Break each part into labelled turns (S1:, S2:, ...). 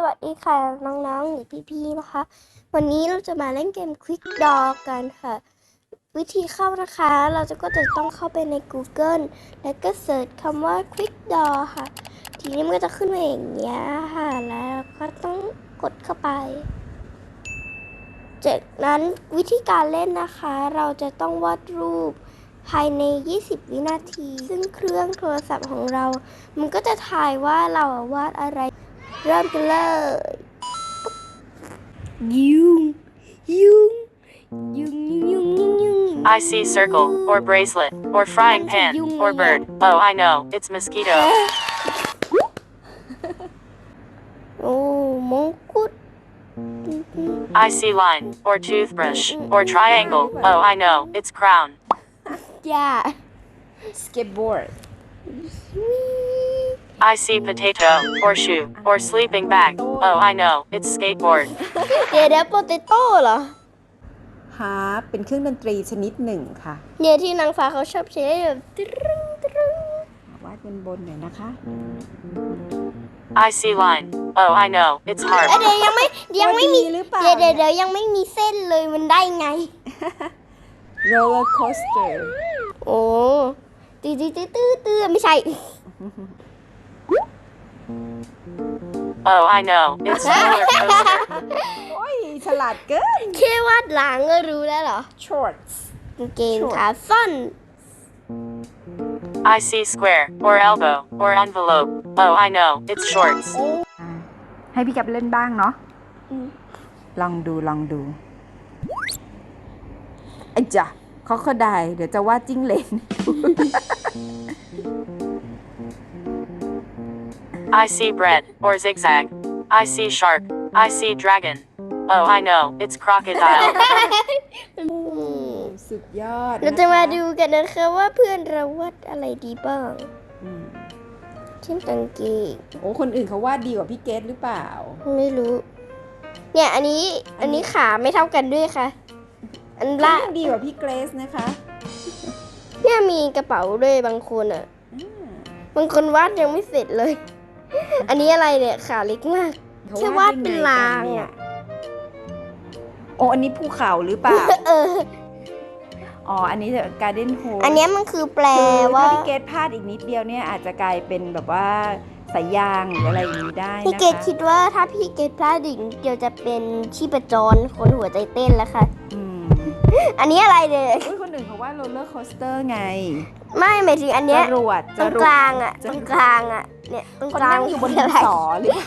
S1: วัสดีค่ะน้องๆหรือพี่ๆนะคะวันนี้เราจะมาเล่นเกม Quick Draw กันค่ะวิธีเข้านะคะเราก็จะต้องเข้าไปใน Google แล้วก็เสิร์ชคำว่า Quick Draw ค่ะทีนี้มันก็จะขึ้นมาอย่างเงี้ยค่ะแล้วก็ต้องกดเข้าไปจากนั้นวิธีการเล่นนะคะเราจะต้องวาดรูปภายใน20วินาทีซึ่งเครื่องโทรศัพท์ของเรามันก็จะถ่ายว่าเราวาดอะไรเริ่มกันเลยยุง
S2: I see circle, or bracelet, or frying pan, or bird. Oh, I know, it's mosquito.
S1: โอ้มงกุฎ
S2: I see line, or toothbrush, or triangle. Oh, I know, it's crown.
S1: ย่า
S3: skateboard
S2: I see potato, or shoe, or sleeping bag. Oh, I know, it's skateboard.
S1: เดี๋ยวโปเตโต้เหรอ
S3: harp เป็นเครื่องดนตรีชนิดหนึ่งค่ะ
S1: เนี่ยที่นางฟ้าเขาชอบใช้แบบตรึ้งตรึ้ง
S3: วาดบนหน่อยนะคะ
S2: I see line. Oh, I know, it's harp.
S1: เดี๋ยวยังไม่มี
S3: หรือเปล่า
S1: เดี๋ยวยังไม่มีเส้นเลยมันได้ไง
S3: roller coaster
S1: โอ้ตื้อไม่ใช่
S2: Oh, I know, it's roller coaster.
S3: โอ้ยฉลาดเกิน
S1: แค่วาดหลังก็รู้แล้วเหรอ
S3: shorts
S1: กางเกงขาสั้น
S2: I see square, or elbow, or envelope. Oh, I know, it's shorts.
S3: ให้พี่กับเล่นบ้างเนาะ
S1: อืม
S3: ลองดูไอ้จ้ะเขาก็ได้เดี๋ยวจะวาดจิ้งเหลน
S2: I see bread, or zigzag. I see shark. I see dragon. Oh, I know, it's crocodile.
S3: สุดยอด
S1: เราจะมาดูกันนะคะว่าเพื่อนเราวาดอะไรดีบ้าง
S3: อืม
S1: เช่นกางเกง
S3: โอ้คนอื่นเขาวาดดีกว่าพี่เกดหรือเปล่า
S1: ไม่รู้ เนี่ยอันนี้ขาไม่เท่ากันด้วยค่ะ อันละ
S3: ดีกว่าพี่เกรซนะคะ
S1: เนี่ยมีกระเป๋าด้วยบางคนอ่ะ บางคนวาดยังไม่เสร็จเลย อันนี้อะไรเนี่ยขาเล็กมาก แค่วาดเป็นลางอ่ะ
S3: โอ้อันนี้ภูเขาหรือเปล่า
S1: เออ
S3: อ๋อ อันนี้การ์เด้นโฮ
S1: อันเนี้ยมันคือแปล
S3: คือ
S1: ว่า
S3: ถ้าพี่เกดพลาดอีกนิดเดียวเนี่ยอาจจะกลายเป็นแบบว่าสายยางหรืออะไรอย่างนี้ได้นะคะ
S1: พี่เกดคิดว่าถ้าพี่เกดพลาดอีกนิดเดียวจะเป็นชีพจรคนหัวใจเต้นแล้วค่ะ
S3: อืม
S1: อันนี้อะไรเนี่ย
S3: อุ้ยคนอื่นเขาว่าโรลเลอร์โคสเตอร์ไง
S1: ไม่หมายถึงอันเนี้ย
S3: จรวด
S1: ตรงกลางอ่ะตรงกลางอ่ะเนี่ยตรง
S3: คน
S1: กลาง
S3: นั่งอยู่บนดินสอหรือเปล่า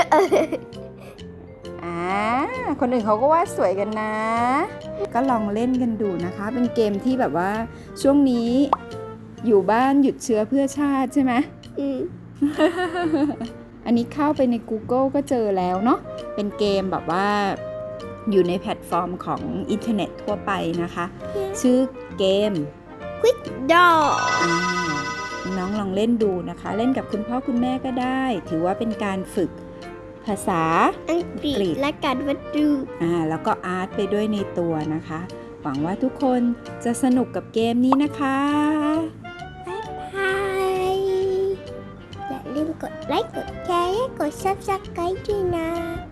S3: คนอื่นเขาก็วาดสวยกันนะ ก็ลองเล่นกันดูนะคะ เป็นเกมที่แบบว่าช่วงนี้อยู่บ้านหยุดเชื้อเพื่อชาติใช่ไหม
S1: อืม
S3: อันนี้เข้าไปใน Google ก็เจอแล้วเนาะ เป็นเกมแบบว่าอยู่ในแพลตฟอร์มของอินเทอร์เน็ตทั่วไปนะคะ ชื่อเกม
S1: Quick Draw
S3: น้องลองเล่นดูนะคะ เล่นกับคุณพ่อคุณแม่ก็ได้ ถือว่าเป็นการฝึกภาษา
S1: อังกฤษและการวาดรูป
S3: แล้วก็อาร์ตไปด้วยในตัวนะคะ หวังว่าทุกคนจะสนุกกับเกมนี้นะคะ
S1: บ๊ายบายอย่าลืมกดไลค์กดแชร์และกด Subscribe ด้วยนะ